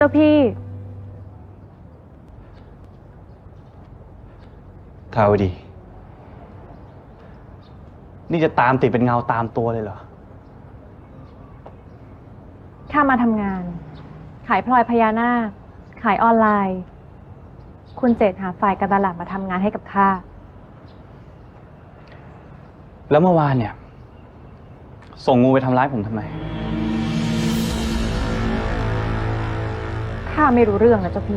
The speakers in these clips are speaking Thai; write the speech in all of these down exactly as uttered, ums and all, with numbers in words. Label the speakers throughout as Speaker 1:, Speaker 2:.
Speaker 1: เจ้าพี่
Speaker 2: ทาวดีนี่จะตามติดเป็นเงาตามตัวเลยเหรอ
Speaker 1: ข้ามาทำงาน ขายพลอยพญานาคขายออนไลน์ คุณเจตหาฝ่ายการตลาดมาทำงานให้กับข้า
Speaker 2: แล้วเมื่อวานเนี่ย ส่งงูไปทำร้ายผมทำไม
Speaker 1: ข้าไม่รู้เรื่องนะเจ้าพี่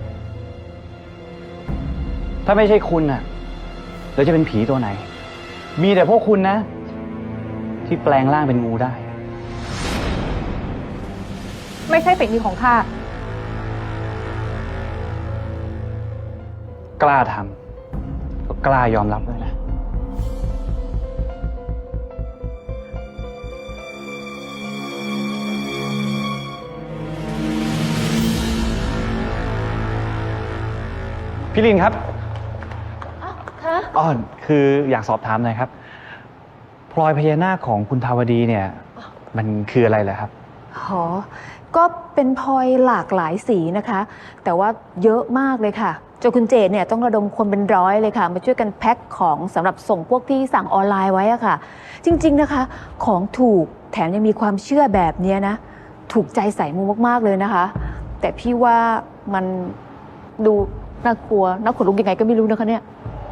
Speaker 2: ถ้าไม่ใช่คุณน่ะแล้วจะเป็นผีตัวไหน มีแต่พวกคุณนะ ที่แปลงร่างเป็นงูได้
Speaker 1: ไม่ใช่ฝีมือของข้า
Speaker 2: กล้าทำก็กล้ายอมรับด้วยนะพี่ลินครับอ๋อคืออยากสอบถามหน่อยครับพลอยพญานาคของคุณทาวดีเนี่ย มันคืออะไรเหรอครับ
Speaker 3: อ๋อก็เป็นพลอยหลากหลายสีนะคะ แต่ว่าเยอะมากเลยค่ะจนคุณเจตเนี่ยต้องระดมคนเป็นร้อยเลยค่ะมาช่วยกันแพ็คของสำหรับส่งพวกที่สั่งออนไลน์ไว้อะค่ะ จริงๆนะคะของถูกแถมยังมีความเชื่อแบบนี้นะถูกใจสายมูมากๆเลยนะคะ แต่พี่ว่ามันดูน่ากลัวน่าขนลุกยังไงก็ไม่รู้นะคะเนี่ย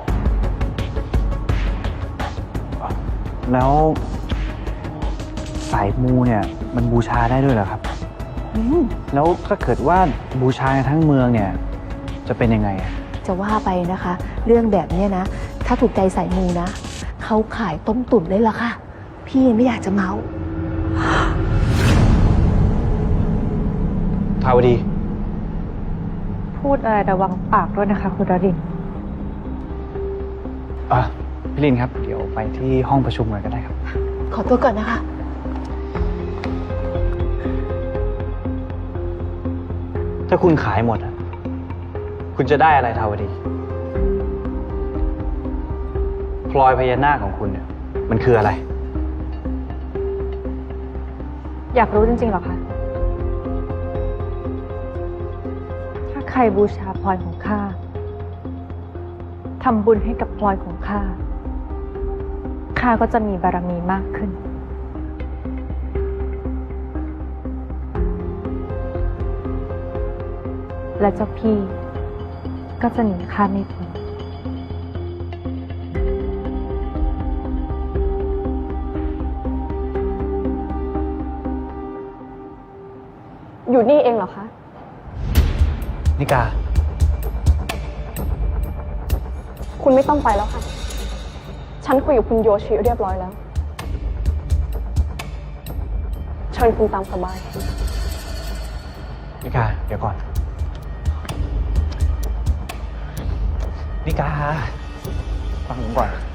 Speaker 2: แล้วสายมูเนี่ยมันบูชาได้ด้วยเหรอครับแล้วถ้าเกิดว่าบูชาในทั้งเมืองเนี่ยจะเป็นยังไง
Speaker 3: จะว่าไปนะคะเรื่องแบบนี้นะถ้าถูกใจสายมูนะเขาขายต้มตุ๋นเลยล่ะค่ะพี่ไม่อยากจะเมา
Speaker 2: ทาวดี
Speaker 1: พูดอะไรระวังปากด้วยนะคะคุณดริน
Speaker 2: อ่ะพี่ลินครับเดี๋ยวไปที่ห้องประชุมเลยก็ได้ครับ
Speaker 3: ขอตัวก่อนนะคะ
Speaker 2: ถ้าคุณขายหมดคุณจะได้อะไรทาวดีพลอยพญานาคของคุณเนี่ยมันคืออะไร
Speaker 1: อยากรู้จริงๆหรอคะถ้าใครบูชาพลอยของข้าทำบุญให้กับพลอยของข้าข้าก็จะมีบารมีมากขึ้นและเจ้าพี่ก็จะหนีข้าไม่พ้นอยู่นี่เองเหรอคะ
Speaker 2: นิกา
Speaker 1: คุณไม่ต้องไปแล้วค่ะฉันคุยกับคุณโยชิเรียบร้อยแล้วเชิญคุณตามสบาย
Speaker 2: นิกาเดี๋ยวก่อนนิกาฟังผมก่อน